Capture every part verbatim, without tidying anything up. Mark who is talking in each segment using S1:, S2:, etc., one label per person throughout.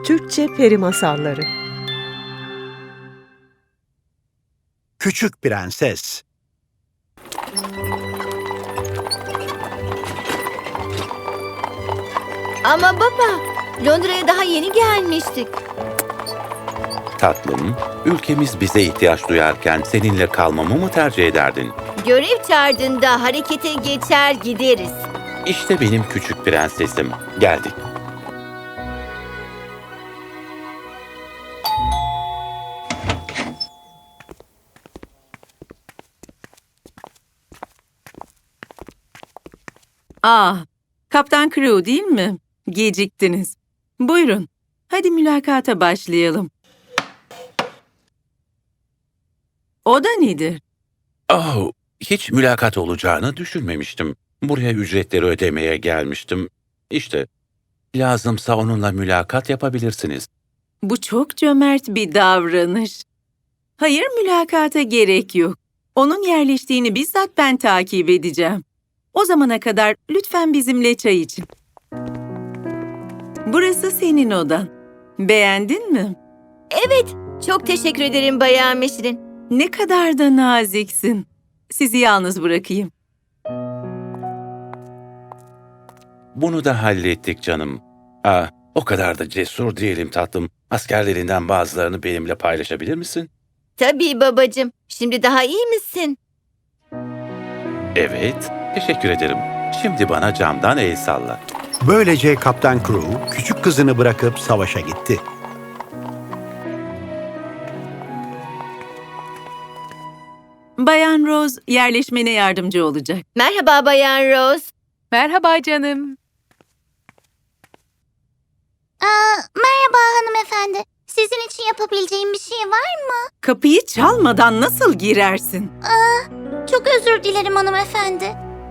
S1: Türkçe Peri Masalları.
S2: Küçük Prenses.
S3: Ama baba, Londra'ya daha yeni gelmiştik.
S4: Tatlım, ülkemiz bize ihtiyaç duyarken seninle kalmamı mı tercih ederdin?
S3: Görev çağırdığında harekete geçer gideriz.
S4: İşte benim küçük prensesim. Geldik.
S5: Ah, Kaptan Crew değil mi? Geciktiniz. Buyurun, hadi mülakata başlayalım. O da nedir?
S4: Oh, hiç mülakat olacağını düşünmemiştim. Buraya ücretleri ödemeye gelmiştim. İşte, lazımsa onunla mülakat yapabilirsiniz.
S5: Bu çok cömert bir davranış. Hayır, mülakata gerek yok. Onun yerleştiğini bizzat ben takip edeceğim. O zamana kadar lütfen bizimle çay için. Burası senin odan. Beğendin mi?
S3: Evet, çok teşekkür ederim Bayan Meşrin.
S5: Ne kadar da naziksin. Sizi yalnız bırakayım.
S4: Bunu da hallettik canım. Ah, o kadar da cesur değilim tatlım. Askerlerinden bazılarını benimle paylaşabilir misin?
S3: Tabii babacığım. Şimdi daha iyi misin?
S4: Evet, teşekkür ederim. Şimdi bana camdan el salla.
S2: Böylece Kaptan Crew küçük kızını bırakıp savaşa gitti.
S5: Bayan Rose yerleşmene yardımcı olacak.
S3: Merhaba Bayan Rose.
S6: Merhaba canım.
S7: Aa, merhaba hanımefendi. Sizin için yapabileceğim bir şey var mı?
S5: Kapıyı çalmadan nasıl girersin?
S7: Çok özür dilerim hanımefendi.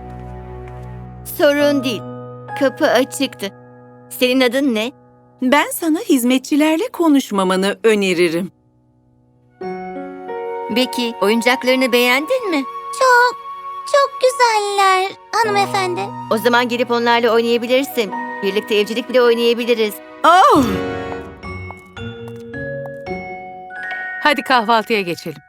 S3: Sorun değil. Kapı açıktı. Senin adın ne?
S5: Ben sana hizmetçilerle konuşmamanı öneririm.
S3: Peki, oyuncaklarını beğendin mi?
S7: Çok, çok güzeller hanımefendi.
S3: O zaman gelip onlarla oynayabilirsin. Birlikte evcilik bile oynayabiliriz.
S5: Oh!
S6: Hadi kahvaltıya geçelim.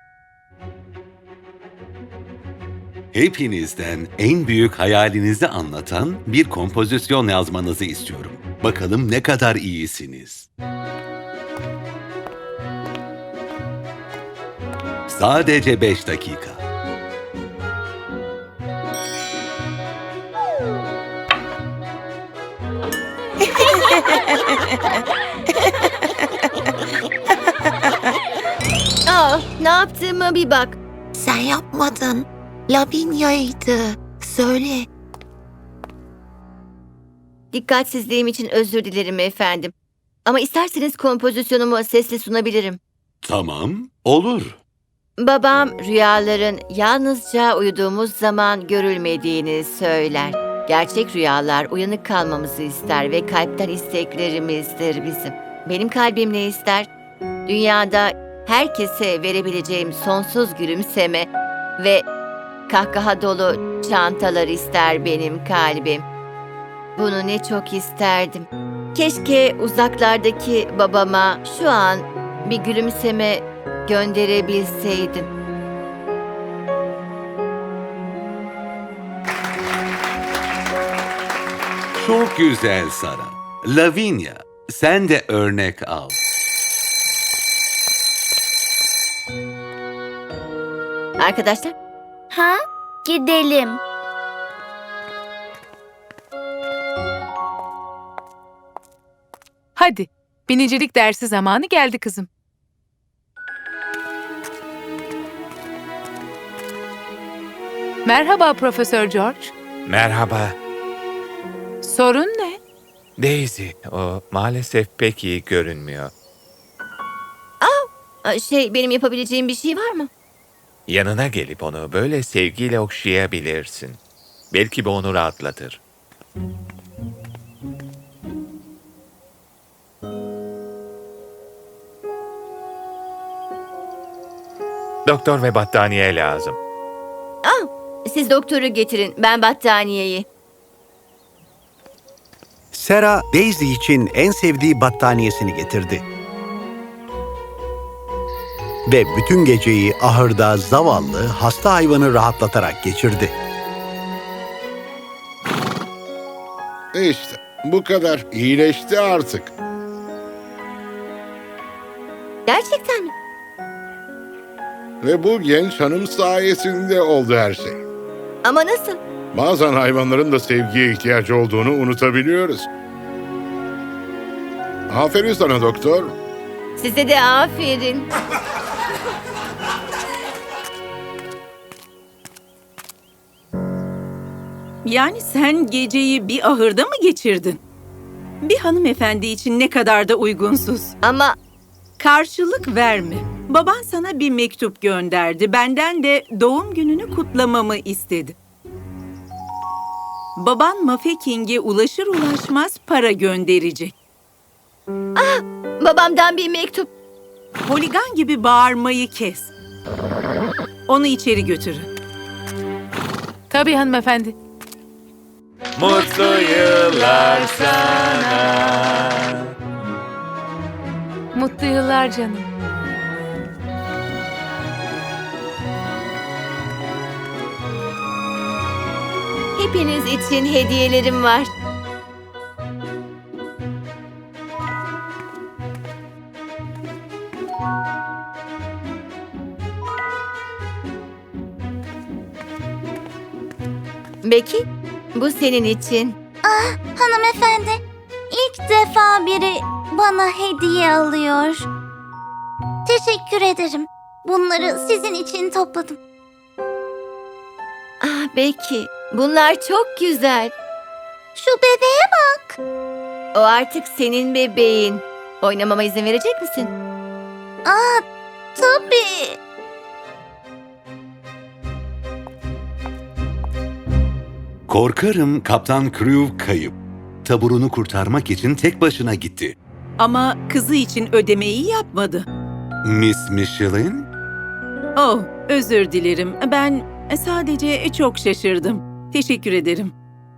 S8: Hepinizden en büyük hayalinizi anlatan bir kompozisyon yazmanızı istiyorum. Bakalım ne kadar iyisiniz. Sadece beş dakika.
S3: Aa, ne yaptığıma bir bak.
S7: Sen yapmadın. Lavinia'ydı. Söyle.
S3: Dikkatsizliğim için özür dilerim efendim. Ama isterseniz kompozisyonumu sesli sunabilirim.
S8: Tamam, olur.
S3: Babam rüyaların yalnızca uyuduğumuz zaman görülmediğini söyler. Gerçek rüyalar uyanık kalmamızı ister ve kalpten isteklerimizdir bizim. Benim kalbim ne ister? Dünyada herkese verebileceğim sonsuz gülümseme ve kahkaha dolu çantalar ister benim kalbim. Bunu ne çok isterdim. Keşke uzaklardaki babama şu an bir gülümseme gönderebilseydim.
S8: Çok güzel Sara. Lavinia, sen de örnek al.
S3: Arkadaşlar,
S7: Ha? Gidelim.
S6: Hadi. Binicilik dersi zamanı geldi kızım. Merhaba Profesör George.
S9: Merhaba.
S6: Sorun ne?
S9: Daisy, o maalesef pek iyi görünmüyor.
S3: Aa, şey benim yapabileceğim bir şey var mı?
S9: Yanına gelip onu böyle sevgiyle okşayabilirsin. Belki bu onu rahatlatır. Doktor ve battaniye lazım.
S3: Aa, siz doktoru getirin, ben battaniyeyi.
S2: Sarah, Daisy için en sevdiği battaniyesini getirdi. Ve bütün geceyi ahırda zavallı, hasta hayvanı rahatlatarak geçirdi.
S10: İşte bu kadar. İyileşti artık.
S3: Gerçekten mi?
S10: Ve bu genç hanım sayesinde oldu her şey.
S3: Ama nasıl?
S10: Bazen hayvanların da sevgiye ihtiyacı olduğunu unutabiliyoruz. Aferin sana doktor.
S3: Size de aferin.
S5: Yani sen geceyi bir ahırda mı geçirdin? Bir hanımefendi için ne kadar da uygunsuz.
S3: Ama
S5: Karşılık verme. Baban sana bir mektup gönderdi. Benden de doğum gününü kutlamamı istedi. Baban Mafeking'e ulaşır ulaşmaz para gönderecek.
S3: babamdan bir mektup.
S5: Holigan gibi bağırmayı kes. Onu içeri götürün.
S6: Tabii hanımefendi.
S9: Mutlu yıllar sana.
S6: Mutlu yıllar canım.
S3: Hepiniz için hediyelerim var. Becky, bu senin için.
S7: Ah hanımefendi, ilk defa biri bana hediye alıyor. Teşekkür ederim. Bunları sizin için topladım.
S3: Ah Becky, bunlar çok güzel.
S7: Şu bebeğe bak.
S3: O artık senin bebeğin. Oynamama izin verecek misin?
S7: Aa, tabii.
S8: Korkarım Kaptan Crew kayıp. Taburunu kurtarmak için tek başına gitti.
S5: Ama kızı için ödemeyi yapmadı.
S8: Miss Michelin?
S5: Oh, özür dilerim. Ben sadece çok şaşırdım. Teşekkür ederim.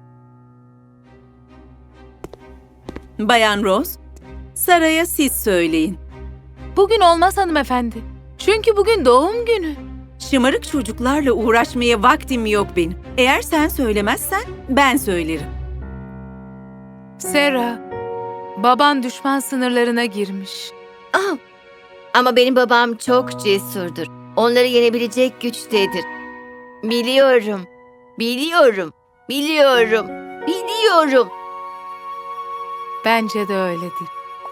S5: Bayan Rose, Sarah'a siz söyleyin.
S6: Bugün olmaz hanımefendi. Çünkü bugün doğum günü.
S5: Şımarık çocuklarla uğraşmaya vaktim yok benim. Eğer sen söylemezsen ben söylerim.
S6: Sarah, baban düşman sınırlarına girmiş.
S3: Ah, ama benim babam çok cesurdur. Onları yenebilecek güçtedir. Biliyorum, biliyorum, biliyorum, biliyorum.
S6: Bence de öyledir.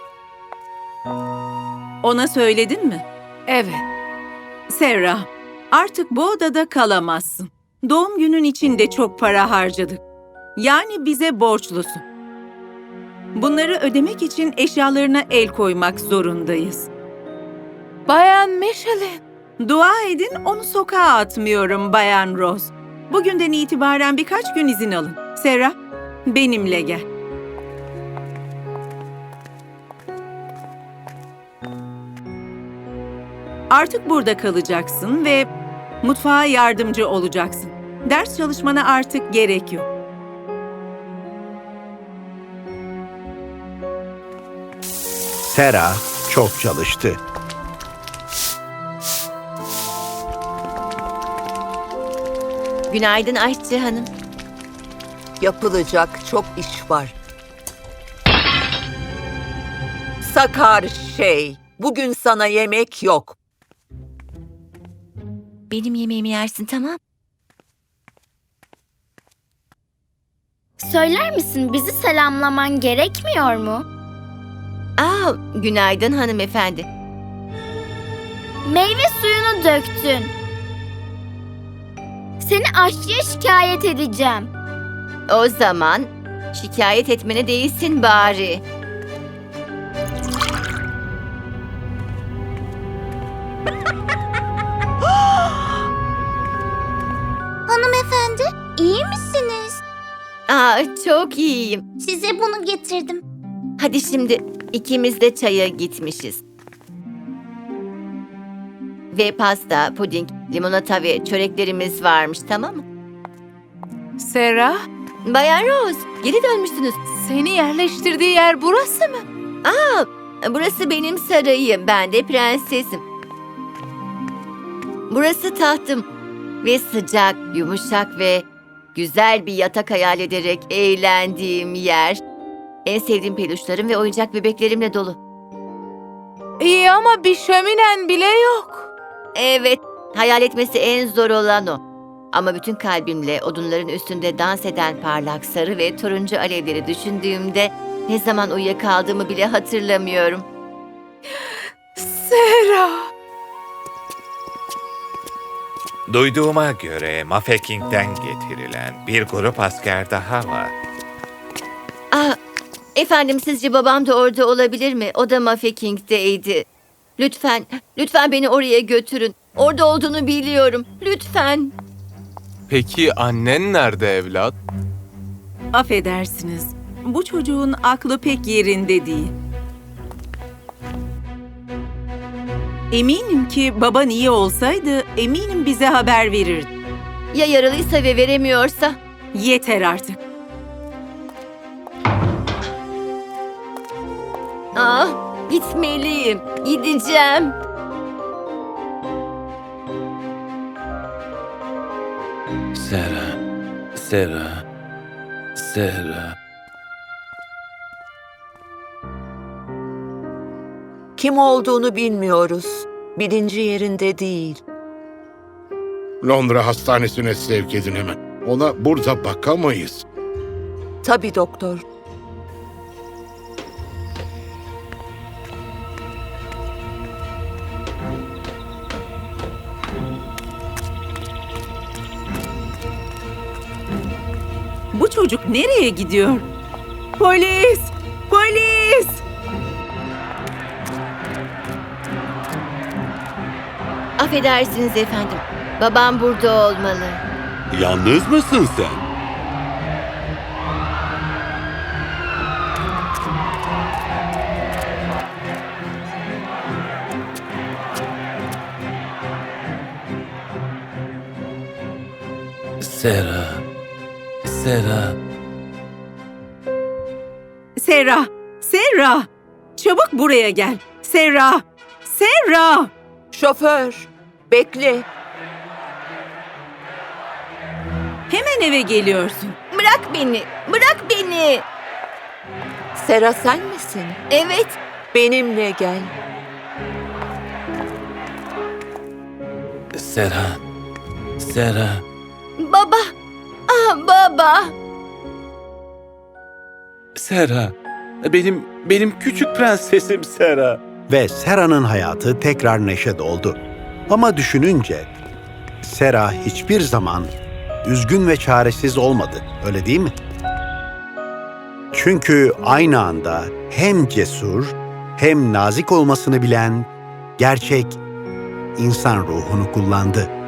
S5: Ona söyledin mi?
S6: Evet.
S5: Sarah, artık bu odada kalamazsın. Doğum günün için de çok para harcadık. Yani bize borçlusun. Bunları ödemek için eşyalarına el koymak zorundayız.
S6: Bayan Michelin.
S5: Dua edin onu sokağa atmıyorum Bayan Rose. Bugünden itibaren birkaç gün izin alın. Sarah, benimle gel. Artık burada kalacaksın ve mutfağa yardımcı olacaksın. Ders çalışmana artık gerek yok.
S2: Sarah çok çalıştı.
S3: Günaydın aşçı hanım.
S11: Yapılacak çok iş var. Sakar şey, bugün sana yemek yok.
S3: Benim yemeğimi yersin, tamam?
S7: Söyler misin, bizi selamlaman gerekmiyor mu?
S3: Aa, günaydın hanımefendi.
S7: Meyve suyunu döktün. Seni aşçıya şikayet edeceğim.
S3: O zaman şikayet etmene değilsin bari.
S7: Hanımefendi, iyi misiniz?
S3: Aa, çok iyiyim.
S7: Size bunu getirdim.
S3: Hadi şimdi ikimiz de çaya gitmişiz. Ve pasta, puding, limonata ve çöreklerimiz varmış, tamam mı?
S6: Sarah,
S3: Bayan Rose, geri dönmüşsünüz.
S6: Seni yerleştirdiği yer burası mı?
S3: Aa, burası benim sarayım. Ben de prensesim. Burası tahtım. Ve sıcak, yumuşak ve güzel bir yatak hayal ederek eğlendiğim yer. En sevdiğim peluşlarım ve oyuncak bebeklerimle dolu.
S6: İyi ama bir şöminen bile yok.
S3: Evet, hayal etmesi en zor olan o. Ama bütün kalbimle odunların üstünde dans eden parlak sarı ve turuncu alevleri düşündüğümde ne zaman uyuyakaldığımı bile hatırlamıyorum.
S6: Sera.
S9: Duyduğuma göre Mafeking'den getirilen bir grup asker daha var.
S3: Aa, efendim sizce babam da orada olabilir mi? O da Mafeking'deydi. Lütfen, lütfen beni oraya götürün. Orada olduğunu biliyorum. Lütfen.
S12: Peki annen nerede evlat?
S5: Affedersiniz. Bu çocuğun aklı pek yerinde değil. Eminim ki baban iyi olsaydı eminim bize haber verirdi.
S3: Ya yaralıysa ve veremiyorsa?
S5: Yeter artık.
S3: Ah, gitmeliyim. Gideceğim.
S4: Sera, Sera, Sera.
S11: Kim olduğunu bilmiyoruz. Bilinci yerinde değil.
S10: Londra hastanesine sevk edin hemen. Ona burada bakamayız.
S11: Tabii doktor.
S5: Bu çocuk nereye gidiyor? Polis! Polis!
S3: Affedersiniz efendim. Babam burada olmalı.
S8: Yalnız mısın sen?
S4: Sera, Sera.
S5: Serra! Serra! Çabuk buraya gel. Serra! Serra!
S11: Şoför, bekle.
S5: Hemen eve geliyorsun.
S3: Bırak beni. Bırak beni.
S11: Sera sen misin?
S3: Evet.
S11: Benimle gel.
S4: Sera, Sera.
S3: Baba. Ah baba.
S4: Sera. Benim, benim küçük prensesim Sera.
S2: Ve Sera'nın hayatı tekrar neşe doldu. Ama düşününce Sera hiçbir zaman üzgün ve çaresiz olmadı, öyle değil mi? Çünkü aynı anda hem cesur hem nazik olmasını bilen gerçek insan ruhunu kullandı.